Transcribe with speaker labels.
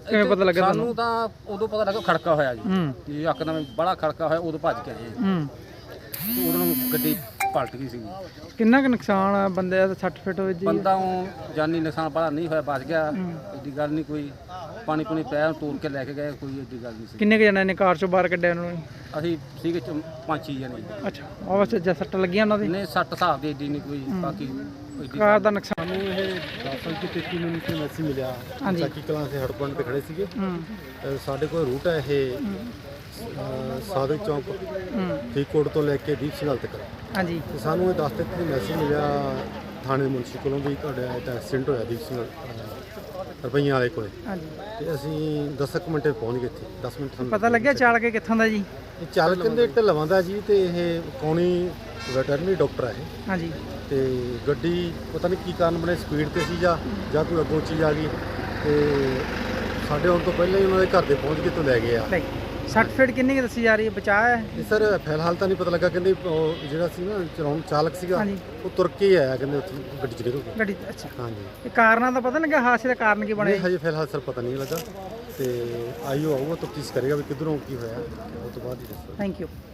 Speaker 1: ਕਿਵੇਂ ਪਤਾ ਲੱਗਾ
Speaker 2: ਸਾਨੂੰ ਤਾਂ ਉਦੋਂ ਪਤਾ ਲੱਗਾ ਖੜਕਾ ਹੋਇਆ ਜੀ ਕਿ ਇੱਕਦਮ ਬੜਾ ਖੜਕਾ ਹੋਇਆ, ਉਦੋਂ ਭੱਜ ਕੇ ਆਏ ਤੇ ਉਦੋਂ ਨੂੰ ਗੱਡੀ ਪਲਟ ਗਈ ਸੀ।
Speaker 1: ਕਿੰਨਾ ਕੁ ਨੁਕਸਾਨ ਆ ਬੰਦੇ ਦਾ? 60 ਫਿਟ ਹੋਏ ਜੀ
Speaker 2: ਬੰਦਾ ਜਾਨੀ ਨੁਕਸਾਨ ਬੜਾ ਨਹੀਂ ਹੋਇਆ, ਬਚ ਗਿਆ, ਏਡੀ ਗੱਲ ਨਹੀਂ ਕੋਈ। ਪਾਣੀ ਪੂਣੀ ਪਿਆ, ਤੋੜ ਕੇ ਲੈ ਕੇ ਗਏ, ਕੋਈ ਏਡੀ ਗੱਲ ਨਹੀਂ ਸੀ।
Speaker 1: ਕਿੰਨੇ ਕੁ ਜਣੇ ਨੇ ਕਾਰ ਚੋਂ ਬਾਹਰ ਕੱਢਿਆ ਉਹਨਾਂ ਨੂੰ?
Speaker 2: ਅਸੀਂ ਸੀਗੇ 5-6 ਜਣੇ।
Speaker 1: ਅੱਛਾ, ਉਹ ਵੈਸੇ ਜਾਂ ਸੱਟ ਲੱਗੀਆਂ ਉਹਨਾਂ ਦੀ?
Speaker 2: ਨਹੀਂ, 60 ਹਿਸਾਬ ਦੀ ਏਡੀ ਨਹੀਂ ਕੋਈ, ਬਾਕੀ
Speaker 1: ਕਾਰ ਦਾ ਨੁਕਸਾਨ।
Speaker 3: ਸਾਨੂੰ ਇਹ 10:33 ਮਿੰਟ ਤੇ ਮੈਸੇਜ ਮਿਲਿਆ, ਚੱਕੀ ਕਲਾਂ ਦੇ ਹੜ ਪੁਆਇੰਟ ਤੇ ਖੜੇ ਸੀਗੇ। ਸਾਡੇ ਕੋਲ ਰੂਟ ਹੈ ਇਹ ਸਾਦਿਕ ਚੌਂਕ ਫਰੀਦਕੋਟ ਤੋਂ ਲੈ ਕੇ ਦੀਪ ਸਿੰਘ ਹਾਲ ਤੱਕ।
Speaker 1: ਹਾਂਜੀ,
Speaker 3: ਤੇ ਸਾਨੂੰ ਇਹ 10:33 ਮੈਸੇਜ ਮਿਲਿਆ ਥਾਣੇ ਮੁਨਸੀ ਕੋਲੋਂ ਵੀ ਤੁਹਾਡਾ ਇਹ ਐਕਸੀਡੈਂਟ ਹੋਇਆ ਦੀਪ ਸਿੰਘ ਰੁਪਈਆਂ ਵਾਲੇ ਕੋਲੇ।
Speaker 1: ਹਾਂਜੀ,
Speaker 3: ਤੇ ਅਸੀਂ 10 ਮਿੰਟ ਪਹੁੰਚ ਗਏ ਇੱਥੇ। 10 ਮਿੰਟ ਸਾਨੂੰ
Speaker 1: ਪਤਾ ਲੱਗਿਆ ਚਾਲਕ ਕਿੱਥੋਂ ਦਾ ਜੀ?
Speaker 3: ਇਹ ਚਾਲਕ ਕਹਿੰਦੇ ਢਲਵਾਂ ਦਾ ਜੀ, ਤੇ ਇਹ ਕੌਣੀ ਵੈਟਰਨਰੀ ਡਾਕਟਰ ਹੈ ਇਹ।
Speaker 1: ਹਾਂਜੀ,
Speaker 3: ਤੇ ਗੱਡੀ ਪਤਾ ਨਹੀਂ ਕੀ ਕਾਰਨ ਬਣੇ, ਸਪੀਡ ਤੇ ਸੀ ਜਾਂ ਕੋਈ ਅੱਗੋਂ ਚੀਜ਼ ਆ ਗਈ, ਤੇ ਸਾਡੇ ਆਉਣ ਤੋਂ ਪਹਿਲਾਂ ਹੀ ਉਹਨਾਂ ਦੇ ਘਰ ਦੇ ਪਹੁੰਚ ਕੇ ਤੋਂ ਲੈ ਗਏ ਆ।
Speaker 1: 60 ਫਿਟ ਕਿੰਨੀ ਕੁ ਦੱਸੀ ਜਾ ਰਹੀ ਹੈ? ਬਚਾਅ ਹੈ?
Speaker 3: ਇਹ ਸਰ ਫਿਲਹਾਲ ਤਾਂ ਨਹੀਂ ਪਤਾ ਲੱਗਾ, ਕਹਿੰਦੇ ਉਹ ਜਿਹੜਾ ਸੀ ਨਾ ਚਲਾਉਣ ਚਾਲਕ ਸੀਗਾ ਉਹ ਤੁਰ ਕੇ ਹੀ ਆਇਆ, ਕਹਿੰਦੇ ਉੱਥੇ ਗੱਡੀ 'ਚ ਨਿਕਲ ਕੇ।
Speaker 1: ਗੱਡੀ ਅੱਛਾ,
Speaker 3: ਹਾਂਜੀ,
Speaker 1: ਇਹ ਕਾਰਨਾਂ ਦਾ ਪਤਾ ਨਹੀਂ ਲੱਗਾ, ਹਾਦਸੇ ਦਾ ਕਾਰਨ ਕੀ ਬਣਿਆ?
Speaker 3: ਹਜੇ ਫਿਲਹਾਲ ਸਰ ਪਤਾ ਨਹੀਂ ਲੱਗਾ, ਤੇ ਆਈਓ ਆਊਗਾ ਤਫਤੀਸ਼ ਕਰੇਗਾ ਵੀ ਕਿੱਧਰੋਂ ਕੀ ਹੋਇਆ, ਉਸ ਤੋਂ ਬਾਅਦ ਹੀ ਦੱਸੋ।
Speaker 1: Thank you.